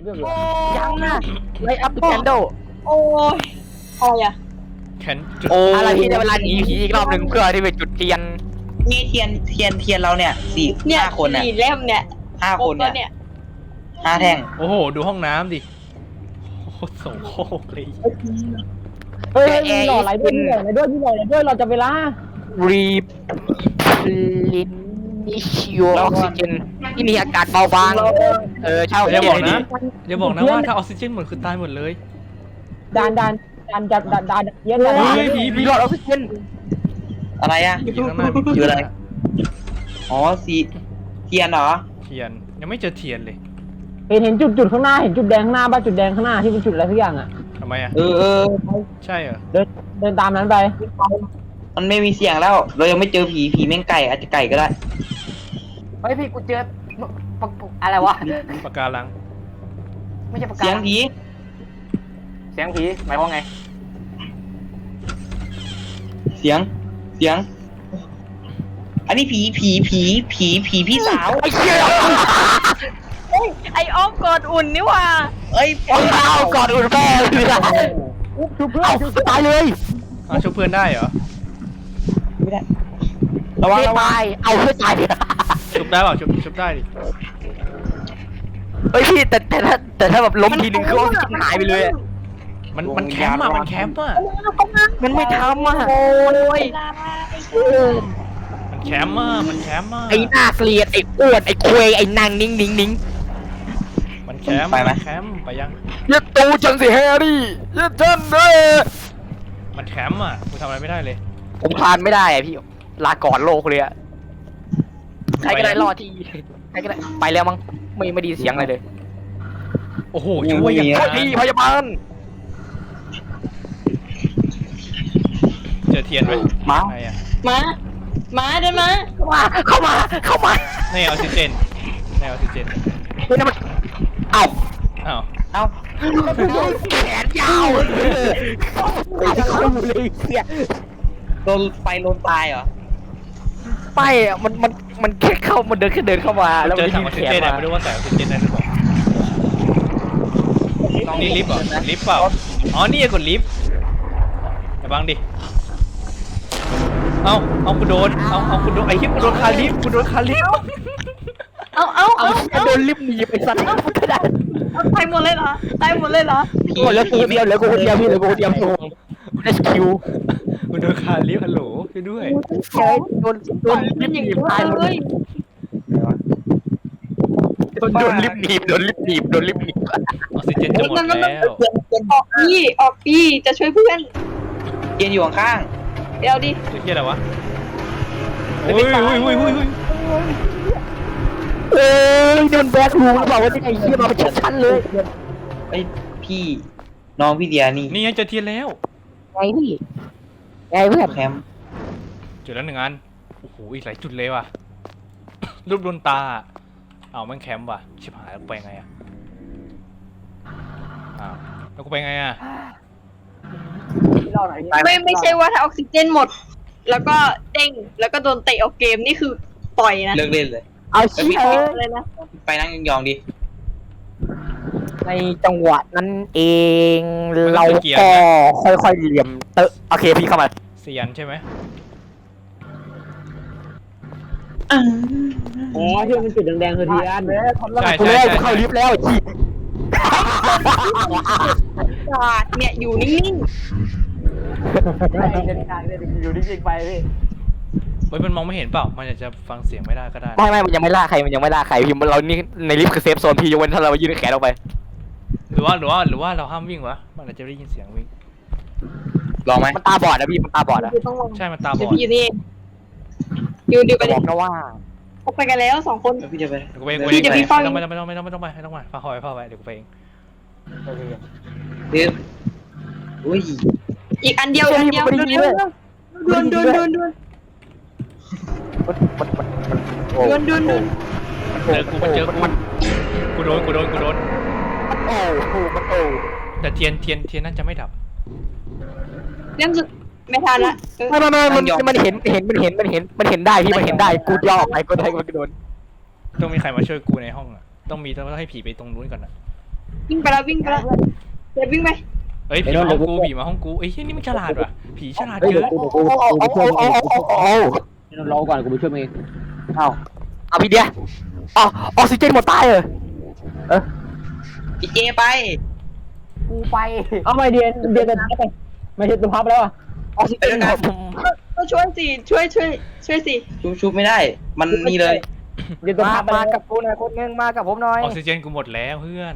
ยังนะไลท์อัพแคนโดโอ้ยอะไรอะแคนจุดอะไรที่ในเวลาหนีผีอีกรอบหนึ่งเพื่อที่ไปจุดเทียนนี่เทียนเราเนี่ยเนี่ยห้าคนเนี่ย 4 เล่มเนี่ย 5 คนครบเนี่เนี่ย ย 5 แท่งโอ้โหดูห้องน้ำดิโอ้โหโสโครกเลยเฮ้ยมีหล่ออะไรด้วยมีหล่ออะไรด้วยมีหล่ออะไรด้วยเราจะไปล่ารีลินิชิโอออกซิเจนที่มีอากาศเบาบางเช่าอย่าเทีบยอน กให้ดีนะอย่าบอกนะว่าถ้าออกซิเจนหมดคือตายหมดเลยดานเยอะเลยเฮ้ยผีมีหลอดออกซิเจนอะไรอ่ะผีข้างหน้ามีคืออะไร อ๋อเทียนเหรอเทียนยังไม่เจอเทียนเลยเห็นจุดข้างหน้าเห็นจุดแดงข้างหน้าบ้าจุดแดงข้างหน้าที่เป็นจุดอะไรสักอย่างอ่ะทำไมอ่ะเออใช่เหรอเดินตามนั้นไปมันไม่มีเสียงแล้ว เรายังไม่เจอผีแม่งไก่อาจจะไก่ก็ได้เฮ้ยพี่กูเจออะไรวะปากการังไม่ใช่ปากกาเสียงผีเสียงผีหมายความไงเสียง อันนี้ผีพี่สาวไอ้เชี่ยไออ้อมกอดอุ่นนี่หว่าเอ้ยเอาก่อนอุ่นแม่เลยอะชุบเพื่อนเอาตายเลยอ้าวช่วยเพื่อนได้เหรอไม่ได้ระวังตายเอาเพื่อตายชุบได้เปล่าชุบได้ดิเฮ้ยพี่แต่ถ้าแบบล้มทีนึงคือออกซิเจนหายไปเลยอะมันแคมป์อ่ะมันแคมป์อ่ะมันไม่ทำอ่ะโอ้ยมันแคมป์อ่ะมันแคมป์อ่ะไอ้หน้าเกลียดไอ้อ้วนไอ้คุยไอ้นางนิ่งมันแคมป์มันแคมป์ไปยังอย่าตูจังสิแฮร์รี่อย่าจันเลยมันแคมป์อ่ะกูทำอะไรไม่ได้เลยผมคลานไม่ได้อะพี่ลาก่อนโลกเลยอะใครก็ได้รอดที่ใครก็ได้ไปแล้วมั้งไม่ไดีเสียงอะไรเลยโอ้โหช่วยอย่างโทษทีพยาบาลเจอเทียนไหมมาไหนอ่ะมาได้มาเข้ามาในออกซิเจนในออกซิเจนเฮ้ยนั่นมันเอ้าอ้าวเอ้าแขนยาวเข้าเลยเสียโดนไฟลนตายเหรอไม่อะมันแค่เข้ามันเดินเข้ามาแล้วเจมัอน ถังออกแขซินเจนมาอ่ะไม่รู้ว่าใส่ออกซิเจนได้หรือเปล่านี่ลิฟต์เหรอลิฟต์เปล่าอ๋อนี่กดลิฟต์อย่าบังดิเอากูโดนเอากูโดนไอ้ฮิปกูโดนคาลิฟต์กูโดนคาลิฟต์เอาโดนลิฟต์หนีไปสัตว์ตายหมดเลยเหรอตายหมดเลยเหรอเหลือกูคนเดียวพี่เหลือกูคนเดียวโง่ได้สกิลกูโดนคาลิฟต์ฮัลโหลช่วยด้วยเฮ้ยโดนลิฟต์หนีบตายหมดเลยโดนลิฟต์หนีบออกซิเจนจะหมดแล้วออกพี่จะช่วยเพื่อนเทียนอยู่ข้างเดี๋ยวดิตัวเฮียอะไรวะโอ้ยโดนแบกรูบอกว่าที่ไอ้เหี้ยมาเป็นชั้นเลยๆไอ้ยพี่น้องพี่เดียนี่นี่ไงเจอเทียนแล้วไงพี่ไงเพื่อนแคมป์จุดแล้ว1 อันโอ้โหอีกหลายจุดเลยว่ะรูปดวงตาเอามันแคมป์ว่ะชิบหายแล้วกูไปไงอ่ะอ้าวแล้วกูไปไงอ่ะไม่ใช่ว่าถ้าออกซิเจนหมด แล้วก็เด้งแล้วก็โดนเตะออกเกมนี่คือต่อยนะเลิกเล่นเลยเอาเชี่ยเลยนะไปนั่งยองๆดิในจังหวะนั้นเองเราก็ค่อยๆเหลี่ยมโอเคพี่เข้ามาเสียนใช่ไหมอ๋อที่มันจุดแดงๆคือเทียนใช่กูใช่แล้วใช่เข้าลิฟต์แล้วจีเนี่ยอยู่นิ่งอยู่นิ่งๆไปพี่เฮ้ยมันมองไม่เห็นเปล่ามันอาจจะฟังเสียงไม่ได้ก็ได้ไม่มันยังไม่ล่าใครพี่เรานี่ในลิฟต์คือเซฟโซนพี่ยกเว้นถ้าเรายื่นแขนออกไปหรือว่าเราห้ามวิ่งวะมันอาจจะได้ยินเสียงวิ่งลองไหมมันตาบอดนะพี่มันตาบอดๆอะคือต้องลงใช่มันตาบเดี๋ยอวดพี่อยู่นี่อยู่ไปบดิอกนะว่าออกไปกันแล้ว2 คนแล้วพี่จะไปเดี๋ยวกูไปเองพี่เดี๋ยวพี่เฝ้าไม่ต้องไปพาคอยเดี๋ยวกูไปเองเดี๋ยวอุ้ยอีกอันเดียวดวนมันดวนเจอกูโดนโอ้โหมันโอ้แต่เทียนน่าจะไม่ดับเรื่องสุดไม่ทันละไม่มันเห็นได้พี่มันเห็นได้กูย่อออกไปก็ได้มันโดนต้องมีใครมาช่วยกูในห้องอ่ะต้องให้ผีไปตรงนู้นก่อนอ่ะวิ่งไปแล้วเดี๋ยววิ่งไปเอ้ยผีมาห้องกูผีมาห้องกูเอ้ยเหี้ยนี่มันฉลาดว่ะผีฉลาดเฮ้ยเกิเดี๋ยวน กูไปช่วยมึงรอก่อนกูไปช่วยมึงเองเอาพี่เดียอ๋อออกซิเจนหมดตายเหรอพี่เจไปกูไปเอาไม่เดียนจะทับไปไม่ใช่ตัวพับแล้วอ่ะออกซิเจนหมดก็ช่วยสิช่วยสิชุบไม่ได้ มันนี่เลยเดียนตัวพับไปมากับกูหน่อยคนนึงมากับผมหน่อยออกซิเจนกูหมดแล้วเพื่อน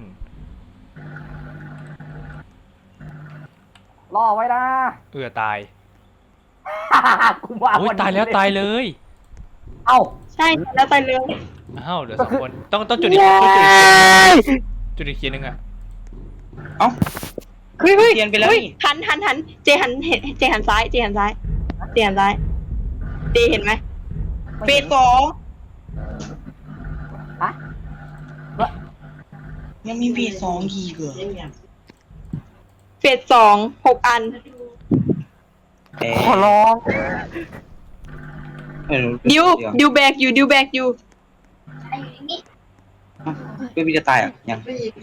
รอไว้นะตายกูว่าโอ้ยตายแล้วตายเลยเอ้าใช่แล้วตายเลยอ้าวเหลือ2 คนต้องจุดอีกเคียนนึงอ่ะเอ้าเฮ้ยเทียนไปแล้วนี่หันเจหันซ้ายเจหันซ้ายเจเห็นไหมเฟส2 ยังมีเฟส2อีกเหรอเฟส2 6 อันขอร้องดิวแบกอยู่ไม่มีจะตายอ่ะยัง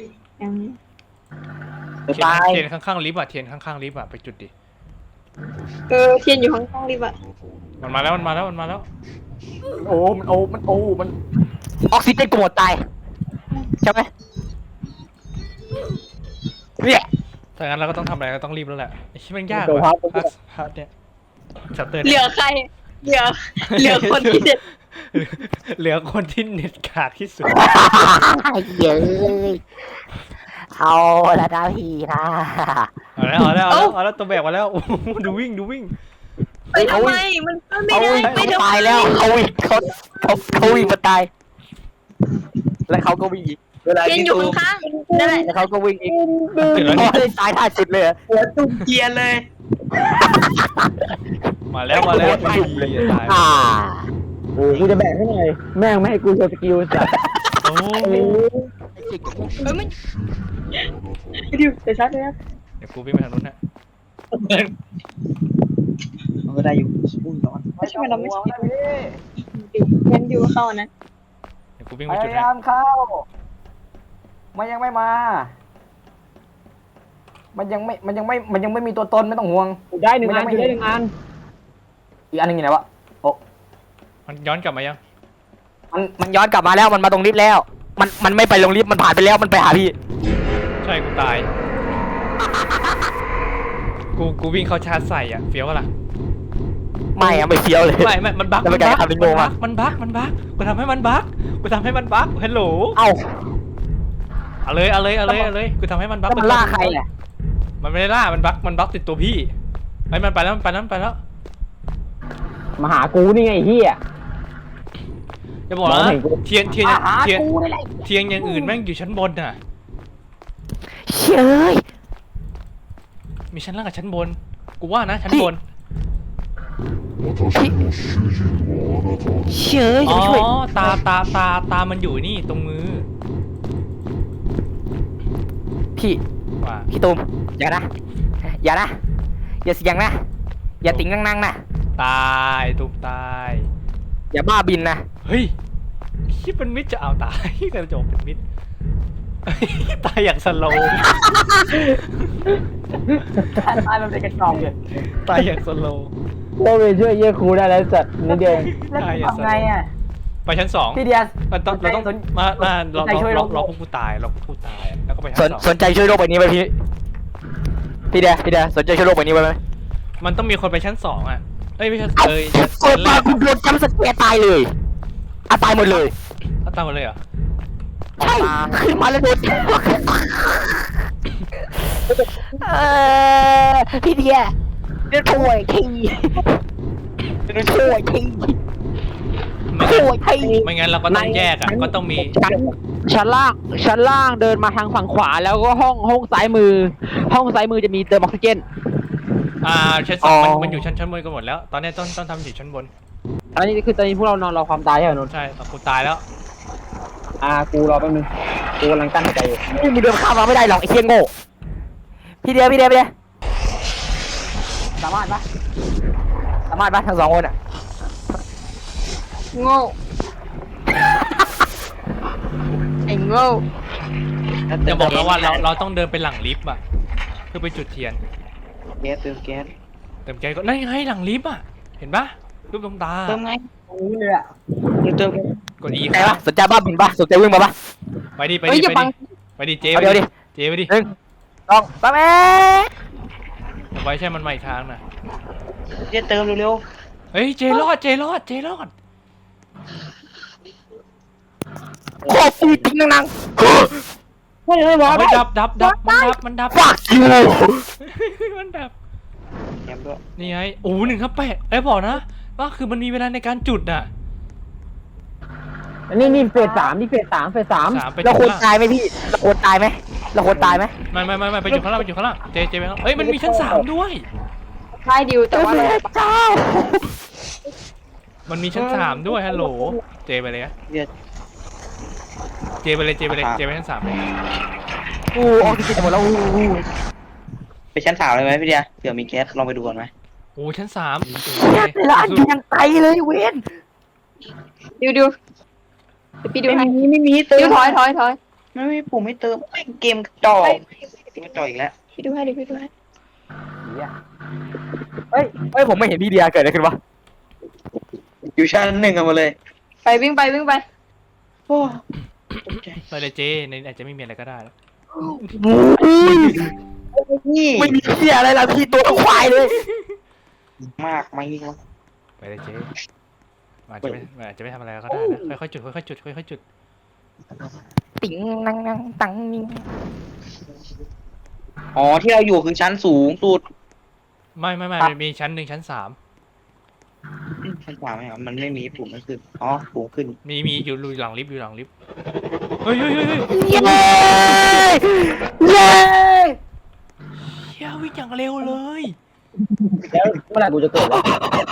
เทียนข้างๆลิฟต์อ่ะเทียนข้างๆลิฟต์อ่ะไปจุดดิเทียนอยู่ข้างๆรีบอะมันมาแล้วมันออกซิเจนกูหมดตายใช่ไหมเนี่ยถ้างั้นเราก็ต้องทำอะไรก็ต้องรีบแล้วแหละไอ้ที่มันยากตัวว่ะพับพาร์ทเนี่ยชัปเตอร์เหลือใครเหลือคนที่เด็ดเหลือคนที่เน็ตขาดที่สุดเย้เอาละนะพี่นะเอาแล้วตัวแบกมาแล้วโอ้โหดูวิ่งไปทำไมมันไม่ได้ไม่เขาได้ตายแล้วเขาวิ่งมาตายแล้วเขาก็วิ่งอีกเทียนอยู่ข้างๆนั่นแหละแล้วเขาก็วิ่งอีกเสร็จแล้วนี่ตายท่าสุดเลยหัวตุ้มเกียร์เลยมาแล้วตายโอ้กูจะแบกให้หน่อยแม่งไม่ให้กูโชว์สกิลจัดโอ้มันดิวเดี๋ยวซัดเลยนะเดี๋ยวกูวิ่งไปทางนู้นนะมันก็ได้อยู่อุ้ยร้อนไม่ใช่เราไม่ใช่งั้นดิวเข้านะเดี๋ยวกูวิ่งพไปจุดยานะยามเข้ามันยังไม่มา มันยังไม่มีตัวตนไม่ต้องห่วงกูได้1 อันกูได้1 อันอีกอันหนึงอยู่ไหนวะโอ้มันย้อนกลับมายังมันย้อนกลับมาแล้วมันมาตรงลิฟต์แล้ว มันไม่ไปลงลิฟต์มันผ่านไปแล้วมันไปหาพี่ใช่กูตายกูวิ่งเข้าชาร์จใส่อ่ะเฟี้ยวล่ะไม่อะไม่เฟี้ยวเลยไม่มันบั๊กแล้วมันกลายเป็นลิงโง่อะมันบั๊กกูทำให้มันบั๊กฮัลโหลเอ้าเอาเลยกูทำให้มันบั๊กแล้วมันล่าใครอ่ะมันไม่ได้ล่ามันบั๊กติดตัวพี่ไอ้มันไปแล้วมาหากูนี่ไงเฮียจะบอกนะมองเห็นกูเทียนหากูนี่แหละเทียนอย่างอื่นแม่งอยู่ชั้นบนน่ะเฮ้ยมีชั้นล่างกับชั้นบนกูว่านะชั้นบนเชื่ออ๋จะอไปช่วยตามันอยู่นี่ตรงมือพี่ว่าพี่ตูมอย่านะอย่าเสียงนะอย่าติ่งนั่งนะตายตุกตายอย่าบ้าบินนะเฮ้ยคิดเป็นมิดจะเอาตายกระจกเป็นมิดตายอย่างสโลว์ตายมันเป็นกระจอกเลยตายอย่างสโลว์โลไปช่วยเยี่ยครูได้แล้วจัดนิดเดียวแล้วทำไงอ่ะไปชั้นสองพี่เดียเราต้องสนมาเราสนใจช่วยรลอง พวกกูตายแล้วก็ไปชั้นสนสองสนใจช่วยโลกใบนี้ไหมพี่เดียสนใจช่วยโลกใบนี้ไหมมันต้องมีคนไปชั้นสองอ่ะเอ้ยไม่ใช่เอ้าเลยเปิดมาคุณโดนจำสแกร์ตายเลยตายหมดเลยเอาตามมาเลยเหรอใช่ขึ้นมาแล้วโดนพี่เดียเดี๋ยวช่วยทีไม่งั้นเราก็ต้องแยกอ่ะก็ต้องมีชั้นล่างเดินมาทางฝั่งขวาแล้วก็ห้องซ้ายมือจะมีเติมออกซิเจนชั้นสองมันอยู่ชั้นบนกันหมดแล้ว ตอนนี้ต้องทำอยู่ชั้นบนอันนี้คือตอนนี้พวกเรานอนรอความตายใช่ไหมนนท์ใช่แต่กูตายแล้วกูรอแป๊บนึงกูกำลังกั้นหายใจอยู่มึงเดินข้ามมาไม่ได้หรอกไอ้เชี่ยโง่พี่เดียสามารถปะทั้ง2 คนอ่ะโง่ไอ้โง่จะบอกแล้วว่าเราต้องเดินไปหลังลิฟต์อ่ะเพื่อไปจุดเทียนแก๊สเติมแก๊สเติมแก๊สก็นั่นไงหลังลิฟต์อ่ะเห็นปะรูปดวงตาเติมไงนี่เลยอ่ะเติมกด E ไหนวะสนใจบ้าบินปะสนใจวิ่งมาปะไปดิไปเฮ้ยดิอย่าไปบังดิไปดิเจเอาไปเดี๋ยวดิดิเจไปดิต้องปั๊บเอาไว้ใช่มันใหม่ทางน่ะเจเติมเร็วเฮ้ยเจรอดเจรอดเจรอดขอฟีทิ้งนังเฮ้ยไม่บอกเอาไปดับมันดับฟักยูมันดับๆแก๊สด้วยนี่ไงโอ้1/8บอกนะว่าคือมันมีเวลาในการจุดน่ะอันนี้เฟส 3นี่เฟส 3 3ไปเราจุดควรข้างตายไหมพี่เราควรตายไหมเราควรตายไหมไม่ไปจุดข้างล่างไปจุดข้างล่างเจไปข้างเอ้ยมันมีชั้น3ด้วยใช่ดิวแต่ว่าเจ้ามันมีชั้น3ด้วยฮัลโหลเจไปเลยนะเดี๋ยวเจไปเลยเจไปชั้น3เลยอู้ออกซิเจนหมดแล้วอู้ไปชั้น3เลยไหมพี่เดียเผื่อมีแก๊สลองไปดูก่อนไหมโอ้ชั้น3 แต่ละอันยังไกลเลยเวนดิวเดี๋ยวพี่ดิวให้ไม่มีเติดิวมถอยไม่มีปุ่มให้เติมเกมกระจอกเกมกระจอกอีกแล้วพี่ดิวให้ดิพี่ดิวให้เฮ้ยผมไม่เห็นพี่เดียเกิดอะไรขึ้นวะอยู่ชั้น1กันมาเลยไปวิ่งไปโอ้ไปเลยเจในอาจจะไม่มีอะไรก็ได้แล้วนี่ไม่มีเพี้ยอะไรละพี่ตัวควายเลยมากไม่ยิ่งไปเลยเจอาจจะไม่ทำอะไรก็ได้นะค่อยๆจุดค่อยๆจุดติ๋งนังตังนิงอ๋อที่เราอยู่คือชั้นสูงสุดไม่มีชั้น1ชั้น3 ชั้น3ไหมครับมันไม่มีปุ่มนั่นคืออ๋อปุ่มขึ้นมีอยู่หลังลิฟต์เฮ้ยเย้เย้เฮียวิ่งอย่างเร็วเลยแล้วเมื่อไหร่กูจะเกิดวะ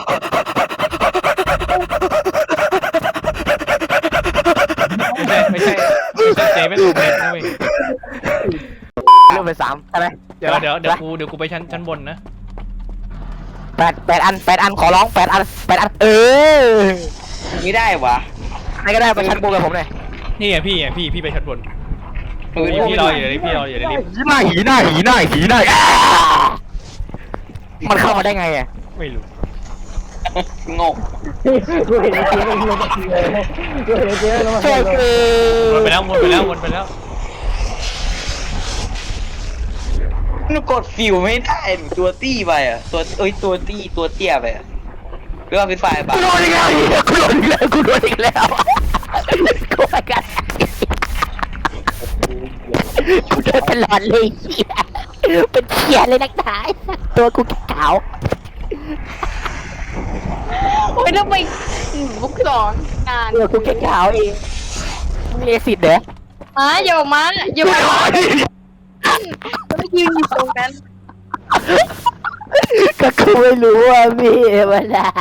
ไม่ใช่เจไม่ถูกเน็ตนะเว้ยเริ่มเป็น3ใช่ไหมเดี๋ยวกูไปชั้นบนนะ 8 อันขอร้อง8 อันไม่ได้วะใครก็ได้ไปชั้นบนกับผมหน่อยนี่ไงพี่ไปชั้นบนพี่รออยู่เลยพี่รออยู่ในลิฟต์หีหน้ามันเข้ามาได้ไงอ่ะไม่รู้งงกูเห็นไอ้เจ๊ไม่ลงมาทีเลยกูเห็นไอ้เจ๊ไม่ลงมาทีเลยวนไปแล้วหนูกดฟิวไม่ได้หนูตัวตี้ไปอ่ะตัวตัวเตี้ยไปอ่ะหรือว่าเป็นไฟบ้ากูโดนอีกแล้วกูโดนอีกแล้วกูไปกันกูเดินตลอดเลยเหี้ยเป็นเขียเลยนักหนาตัวกูขาวโอ้ยทำไมบุกสอนงานตัวกูขาวเองมึงเลสิตเหรออย่าออกมาอย่ามาไม่ยืนอยู่ตรงนั้นก็กูไม่รู้ว่าพี่เวลา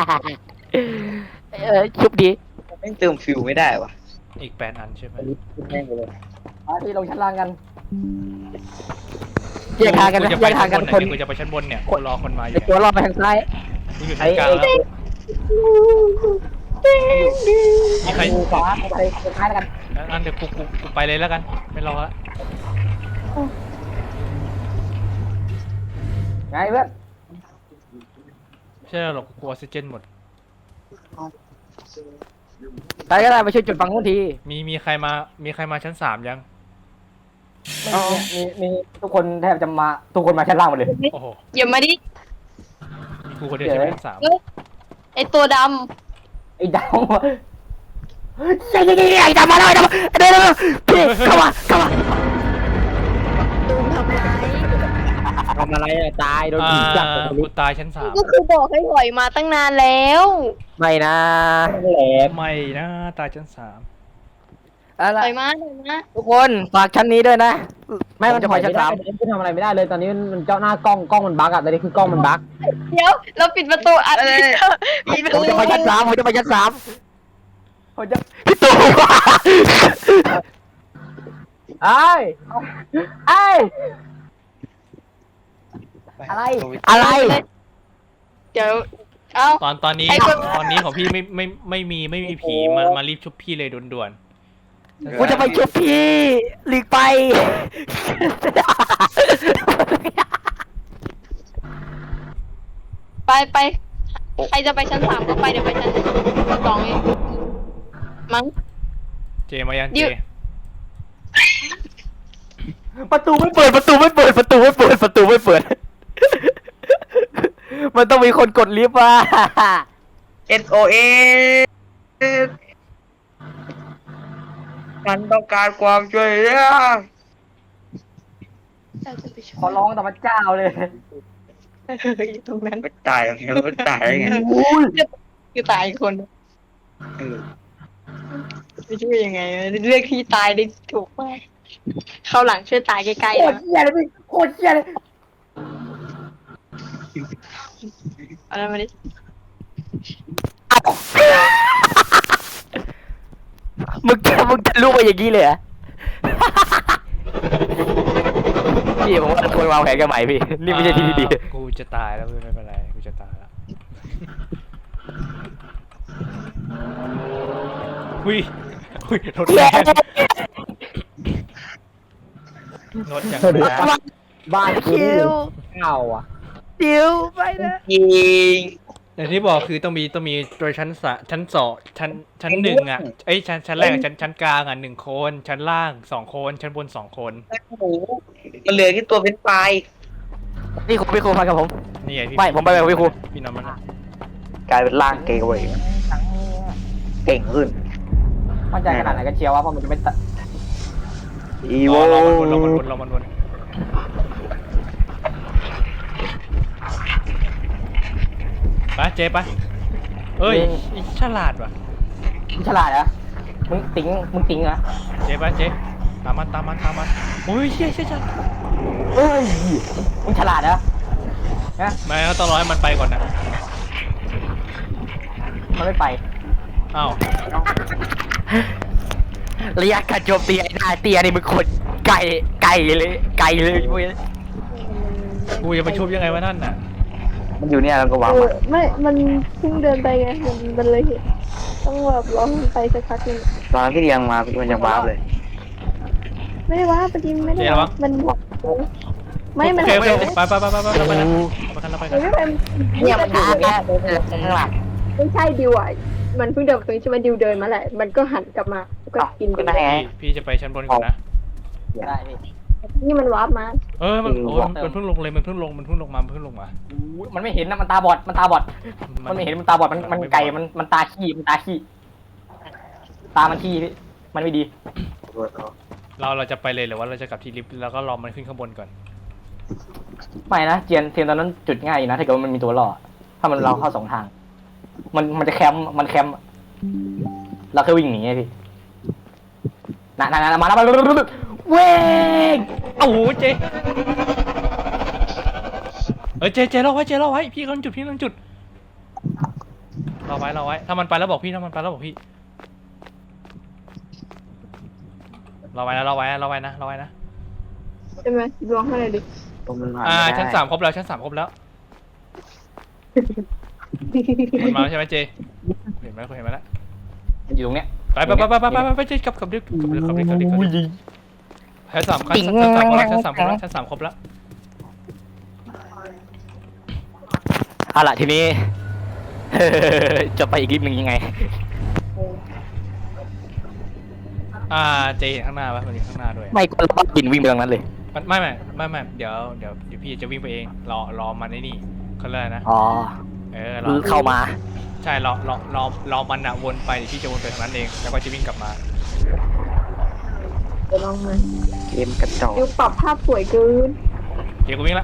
ชุบดีไม่เติมฟิวไม่ได้วะอีก8 อันใช่ไหมที่ลงชั้นล่างกันแยกทางกันนะแยกทางกันคนกูจะไปชั้นบนเนี่ยกูรอคนมาอยู่ตัวรอบไปทางซ้ายกูอยู่ชั้นกลางแล้วมีใครขวาไปท้ายแล้วกันอันเดี๋ยวกูไปเลยแล้วกันไม่รอละไงเพื่อนไม่ใช่หรอกกูออกซิเจนหมดใครก็ได้ไปช่วยจุดฟังทุกทีมีใครมาชั้น3ยังมีทุกคนแทบจะมาทุกคนมาชั้นล่างหมดเลยโอ้โหอย่ามาดิมีกูคนเดียวใช่ไหมชั้น3 ไอตัวดไอ้ดาวไอ้ดาวมาแล้วเดี๋ยวพี่เข้ามาทำอะไรตายโดนผีจับกูตายชั้นำก็คือบอกให้ถอยมาตั้งนานแล้วไม่นะ 3ไม่นะตายชั้น3 อะไรถอยมาทุกคนฝากชั้นนี้ด้วยนะไม่มันจะถไปอยชั้ไม่นได้ 3 กูทำอะไรไม่ได้เลยตอนนี้มันเจ้าหน้ากล้องมันบั๊กอะตอนนี้คือกล้องมันบั๊กเดี๋ยวเราปิดประตูอัดปิดประผมตูจะไปชั้น3ผมจะไปชั้น3ผมจะพี่ตู่ไอ้อะไรเดี๋ยวเอ้าตอนนี้ไอ้คนของพี่ไม่มีผีมารีบชุบพี่เลยด่วนกูจะไปชุบพี่หลีกไปไปใครจะไปชั้น 3ก็ไปเดี๋ยวไปชั้น2เองมั้งเจมายังดิเจวประตูไม่เปิดประตูไม่เปิดประตูไม่เปิดประตูไม่เปิด มันต้องมีคนกดลิฟต์ว่ะ SOS ฉันต้องการความช่วยเหลือขอร้องแต่พระเจ้าเลยอยู่ตรงนั้นไม่ตายหรอกไม่ตายได้ไงคือตายอีกคนเออจะช่วยยังไงเลือกที่ตายได้ถูกมากเข้าหลังช่วยตายใกล้โคๆตรนะเหี้ยเลยพี่โคตรเหี้ยเลยเอาแล้วมาดิมึงจะรู้มาอย่างนี้เลยเหรอ พี่ผมว่าควรวางแผนกันใหม่พี่ นี่ไม่ใช่ที่ที่ดีกูจะตายแล้วไม่เป็นไรกูจะตายแล้วอุ้ยรถแรงรถอย่างแรงบ้านกูนี่เก่าอ่ะเดี๋ยวไปนะจริงอย่างที่บอกคือต้องมีตัวชั้นชั้นหนึ่งอ่ะเอ้ยชั้นแรกกับชั้นกลางอ่ะ1 คนชั้นล่าง2 คนชั้นบน2 คนหมูมันเหลือแค่ตัวเป็นไฟนี่คุณพี่ครูมากับผมนี่ไงพี่ไม่ผมไปกับพี่ครูพี่น้องมันกลายเป็นร่างเกย์เว้ยเก่งขึ้นมั่นใจขนาดไหนก็เชียวว่าเพราะมันจะไม่อีรโวอมันวนไปเจ๊ไปเอ้ยฉลาดว่ะมึงฉลาดเหรอมึงติ๋งเหรอเจ๊ไปเจ๊ตามมันโอ้ยเชี่ยฉลาดเอ้ยมึงฉลาดเหรอฮะไม่ก็ต้องรอให้มันไปก่อนนะมันไม่ไปอ้าวระยะการโจมตีไอ้หน้าเตียนี่มึงคนไก่เลยเว้ยกูจะไปชุบยังไงวะนั่นน่ะมันอยู่เนี่ยเราก็วางไม่มันเพิ่งเดินไปไง มันเลยเห็นต้องแบบรอมันไปสักพักหนึงตอนที่เรียงมามันยังว้าวเลยไม่ได้ว่าปฏิมไม่ได้ว่ามันบอกไม่มันโอเคไปนะไปกันไม่ไปเนี่ยมันอยู่เนี่ยข้างหลังไม่ใช่ดิวอ่ะมันเพิ่งเดินไปตรงนี้ใช่ไหมดิวเดินมาแหละ มันก็หันกลับมาก็กินก็ได้ไงพี่จะไปชั้นบนก่อนนะได้พี่นี่มันวาร์ปมามันเพิ่งลงเลยมันเพิ่งลงมามันไม่เห็นนะมันตาบอดมันไม่เห็นมันตาบอดมันไก่มันตาขี้ตามันขี้พี่มันไม่ดีเราจะไปเลยหรือว่าเราจะกลับที่ลิฟต์แล้วก็รอมันขึ้นข้างบนก่อนไม่นะเทียนตอนนั้นจุดง่ายอยู่นะถ้าเกิดว่ามันมีตัวล่อถ้ามันเราเข้า2 ทาง มันจะแคมป์เราแค่วิ่งหนีไงพี่น่ะมาแล้วเว้งโอ้โหเจ๊เจ๊รอไว้พี่กำลังจุดรอไว้ถ้ามันไปแล้วบอกพี่รอไว้นะรอไว้นะใช่ไหมลองให้เลยดิชั้น 3 ครบแล้วมันมาใช่ไหมเจเห็นไหมแล้วมันอยู่ตรงเนี้ยไปเจกลับดิชั้น 3ครบแล้วชั้น 3 ครบแล้วเอาล่ะทีนี้ จะไปอีกลิฟต์หนึ่งยังไงเจเห็นข้างหน้าป่ะมันอยู่ข้างหน้าด้วยไม่ก็เราบินวิ่งไปตรงนั้นเลยไม่เดี๋ยวพี่จะวิ่งไปเองรอมันไอ้นี่เขาเรียกนะอ๋อ เข้ามาใช่รอมันอะวนไปเดี๋ยวพี่จะวนไปทางนั้นเองแล้วก็จะวิ่งกลับมาเดี๋ยวลองมาเกมกระจอกดิวปรับภาพสวยเกินเดี๋ยวกูวิ่งละ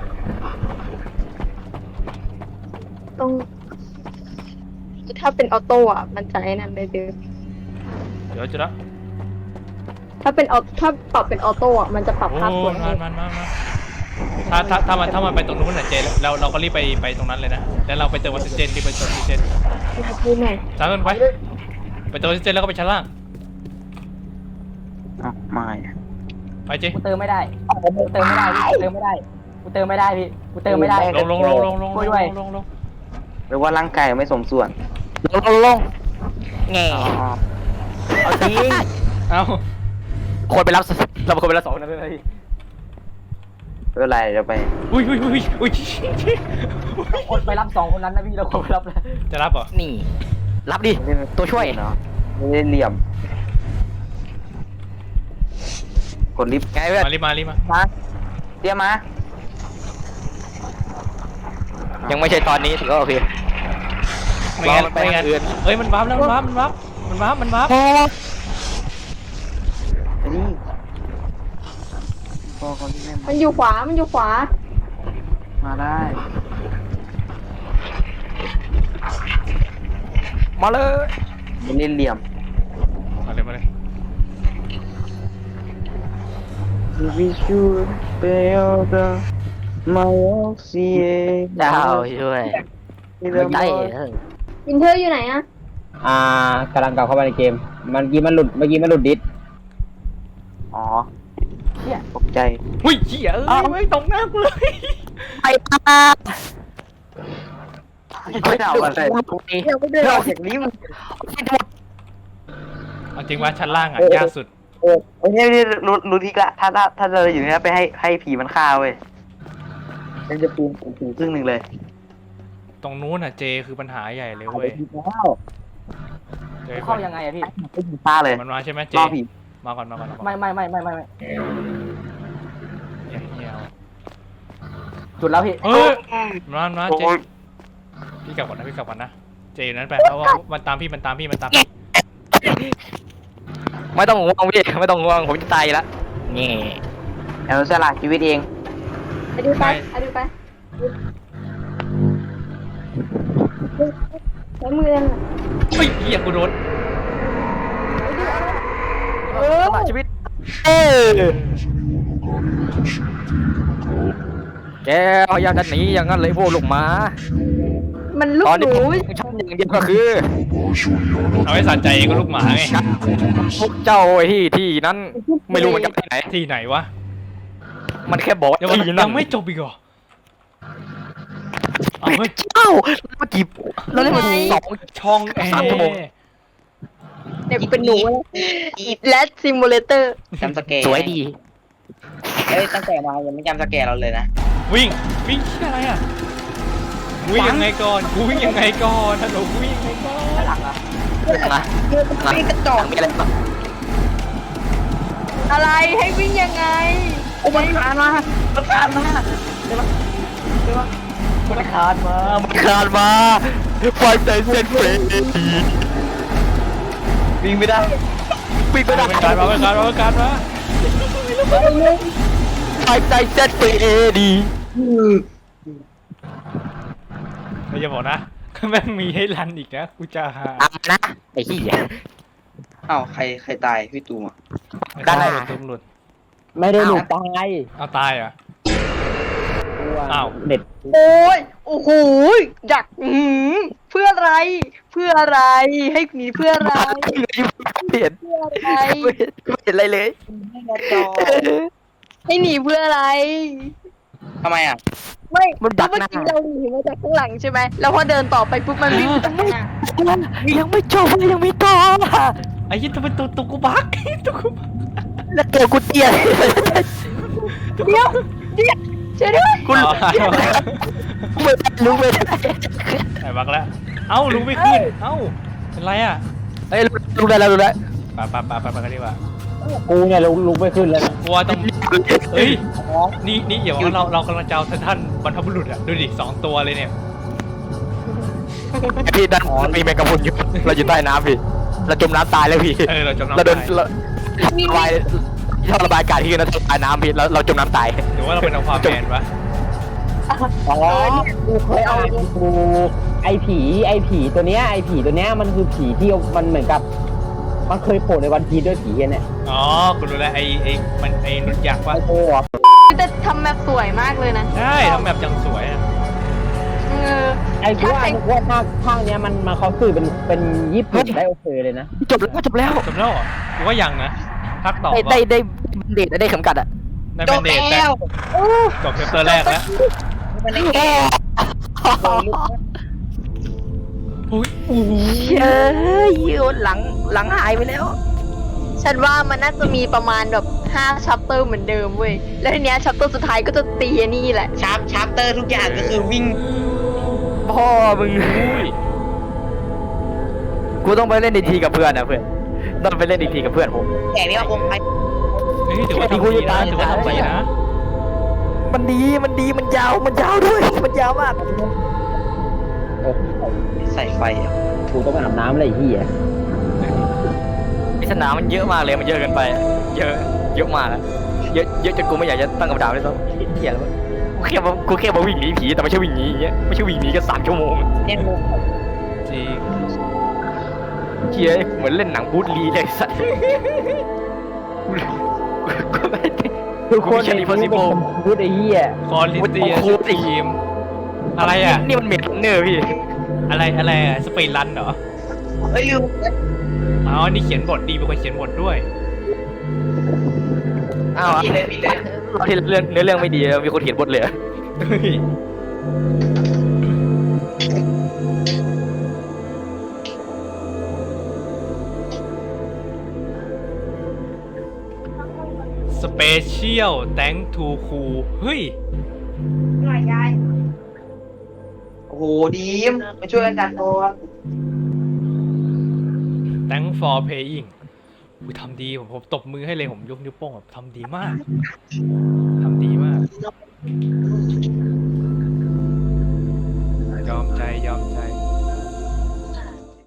ต้องถ้าเป็นออโต้อ่ะมันจะไอ้นั่นเลยดิวเดี๋ยวจุดละถ้าปรับเป็นออโต้อะมันจะปรับโอ้ภาพสวยมาถ้ามันไปตรงนู้นน่ะเจเราก็รีบไปตรงนั้นเลยนะแล้วเราไปเติมออกซิเจนรีบไปเติมออกซิเจนดูหน่อยตามกันไปเติมออกซิเจนแล้วก็ไปชั้นล่างไม่ไปเจกูเติมไม่ได้กูเติมไม่ได้พี่กูเติมไม่ได้กูเติมไม่ได้ลงหรือว่าร่างกายไม่สมส่วนลงแง่เอาจริงเอาคนไปรับเราเป็นคนไปรับ2คนนั้นด้วยนะพี่ไม่เป็นไรเดี๋ยวไปอุ้ยคนไปรับ2คนนั้นนะพี่เราคนไปรับแล้วจะรับเหรอนี่ รับดิตัวช่วยเนาะไม่ได้เหลี่ยมกดลิฟต์ไงเพื่อนมารีบมามาเตรียมมายังไม่ใช่ตอนนี้ถือว่าโอเคไม่งั้นเราไปไม่งั้นทางอื่นเอ้ยมันวาร์ปแล้วมันวาร์ปไอ้นี่พอคนที่แม่มันอยู่ขวา มันอยู่ขวามาได้มาเลยไม่เล่นเหลี่ยมมาเลย We should build the Malaysia ดาวช่วยไม่ได้วินเทอร์อยู่ไหนอะกำลังกลับเข้ามาในเกมเมื่อกี้มันหลุดดิสอ๋อตกใจอุ้ยเหี้ยเอ้ยไม่ตกหน้ากูเลยไปตาไม่เอาอะไรเดี๋ยวไปเดินนอกจากนี้มันเอาจริงว่าชั้นล่างอ่ะยากสุดโอ้ยนี่รู้ทิกละถ้าเราอยู่นี่ไปให้ผีมันฆ่าเว้ยมันจะปูครึ่งหนึ่งเลยตรงนู้นอ่ะเจคือปัญหาใหญ่เลยเว้ยเจเข้ายังไงอะพี่ไม่ผีฆ่าเลยมันมาใช่ไหมเจรอผีมาก่อนไม่เหี้ยจุดแล้วพี่เฮ้ยมาเจพี่กลับก่อนนะเจอยู่นั้นไปเพราะว่ามันตามพี่ไม่ต้องห่วงพี่ไม่ต้องห่วงผมจะตายละนี่แอลสละชีวิตเองไปดูไปไปใช้มือนั่นน่ะเฮ้ยเหี้ยกูโดนตลอดชีวิตแกพยายามจะหนีอย่างนั้นเลยพวกลูกหมามันลูกตอนหนี้นูผมชอบอย่างเดียวก็คือเอาให้สะใจก็ลูกหมาไงพวกเจ้าไอ้ที่นั้นไม่รู้มันจะไปไหนที่ไหนวะมันแค่บอกว่าเดี๋ยวมันที่นั่ยันงไม่จบอีกเหรอเอาเฮ้ยเจ้าเมื่อกี้เราเล่นมา2 ช่องแอ 3 ชั่วโมงร์เด็กเป็นหนูและซิมูเลเตอร์จำสแกร์สวยดีเอ้ยตั้งแต่มายังไม่จำสแกร์เราเลยนะวิ่งที่อะไรอ่ะวิ่งยังไงก่อนกูวิ่งยังไงก่อนฮัลโหลกูวิ่งยังไงก่อนหลังอะนะนี่กระจอกมีอะไรบ้างอะไรให้วิ่งยังไงโอ้มันคานมามันคานมามันคานมาไฟใจเส้นเฟรนวิ่งไม่ได้วิ่งไม่ได้เป็นการมาไฟใจเส้นเฟรดีไม่จะบอกนะแม่งมีให้รันอีกนะกูจะหานะไอ้ขี้ยอ้าวใครตายพี่ตูมอ่ะด้านหน้าตุ้มหลุดไม่ได้หลุดตายเอาตายเหรอ่ะ อ้าวเด็ดโอ้ยโอ้โหดักเพื่ออะไร เพื่ออะไร ให้หนีเพื่ออะไรไม่เห็นเพื่ออะไรไม่เห็นอะไรเลยให้หนีเพื่ออะไรทำไมอ่ะไม่มันดักเมื่อหน้ากี้เราหนีมาจากข้างหลังใช่ไหมแล้วพอเดินต่อไปปุ๊บมันวิ่งมาจากข้างหน้ายังไม่จบยังมีต่อไอ้ยี่ตัวเป็นตัวกูบักตัวกูบักแล้วตัวกูเตี้ยเดี๋ยวช่วยด้วยกูไม่รู้ไม่ได้ไอ้บักแล้วเอ้าลุงไม่ขึ้นเอ้าเป็นไรอ่ะเอ้ยรู้ได้แล้วรู้ได้ไปกันดีกว่ากูเนี่ยลุกไม่ขึ้นเลยกลัวต้องเฮ้ยนี่เดี๋ยวเรากำลังจะเอาท่านบรรพบุรุษอ่ะดูดิ2 ตัวเลยเนี่ยพี่ด้านมีแมงกะพรุนอยู่เราอยู่ใต้น้ำพี่เราจมน้ำตายแล้วพี่เราจมน้ำเราโดนตายระบายท่อระบายอากาศที่คือเราตายน้ำพี่เราจมน้ำตายหรือว่าเราเป็นเอาความแมนวะอ๋อกูเคยเอากูไอผีตัวเนี้ยมันคือผีที่มันเหมือนกับ มันเคยโผล่ในวันพีด้วยผีเนี่ยอ๋อคุณรู้แล้วไอ้มันไอ้นุชยักษ์วะไอโต้อะจะทำแบบสวยมากเลยนะใช่ทำแบบจังสวยอ่ะไอ้กูว่าภาคเนี้ยมันเขาสื่อเป็นญี่ปุ่นได้โอเคเลยนะจบแล้วจบแล้วเหรอกูว่ายังนะพักต่อได้เดทได้เข็มกัดอะได้เป็นเดทแล้วจบเชปเตอร์แรกแล้วอุ้ยเฮ้ยหลังหายไปแล้วฉันว่ามันน่าจะมีประมาณแบบ5ชัปเตอร์เหมือนเดิมเว้ยแล้วทีเนี้ยชัปเตอร์สุดท้ายก็จะตีอันนี่แหละชาร์ปเตอร์ทุกอย่างก็คือวิ่งพ่อมึงกูต้องไปเล่นอีกทีกับเพื่อนนะเพื่อนต้องไปเล่นอีกทีกับเพื่อนผมแต่นี่ว่าคงไปเฮ้ยถือว่าทำดีนะถือว่าทำดีนะมันดีมันยาวด้วยมันยาวมากใส่ไฟอ่ะกูต้องไปอาบน้ำอะไรไอ้เหี้ยปริศนามันเยอะมากเลยมันเยอะเกินไปเยอะมากอะเยอะจนกูไม่อยากจะตั้งคำถามเลยซ้ำเหี้ยแล้วะกูแค่มาวิ่งหนีผีแต่ไม่ใช่วิ่งหนีอย่างเงี้ยไม่ใช่วิ่งหนีกัน3 ชั่วโมงเนี่ยงงจริงเฮียเหมือนเล่นหนังบูธลีเลยไอ้สัตว์กูไม่ได้ทุกคน Mission ใน Impossible พูดไอ้เหี้ยคอลิเตียโอ้โหทีมอะไรอ่ะนี่มันเมดเนอร์พี่อะไรอ่ะสปีดรันเหรอเอ้ยลืมอ๋อนี่เขียนบทดีเป็นคนเขียนบทด้วยอ้าวผิดเลยเราที่เนื้อเรื่องไม่ดีมีคนเขียนบทเลยเฮ้ยสเปเชียลแตงทูคูเฮ้ยโอ้โหดีมมาช่วยกันจัดโต๊ะ Thank for paying อุ๊ยทำดีผมตบมือให้เลยผมยกนิ้วโป้งแบบทำดีมากทำดีมาก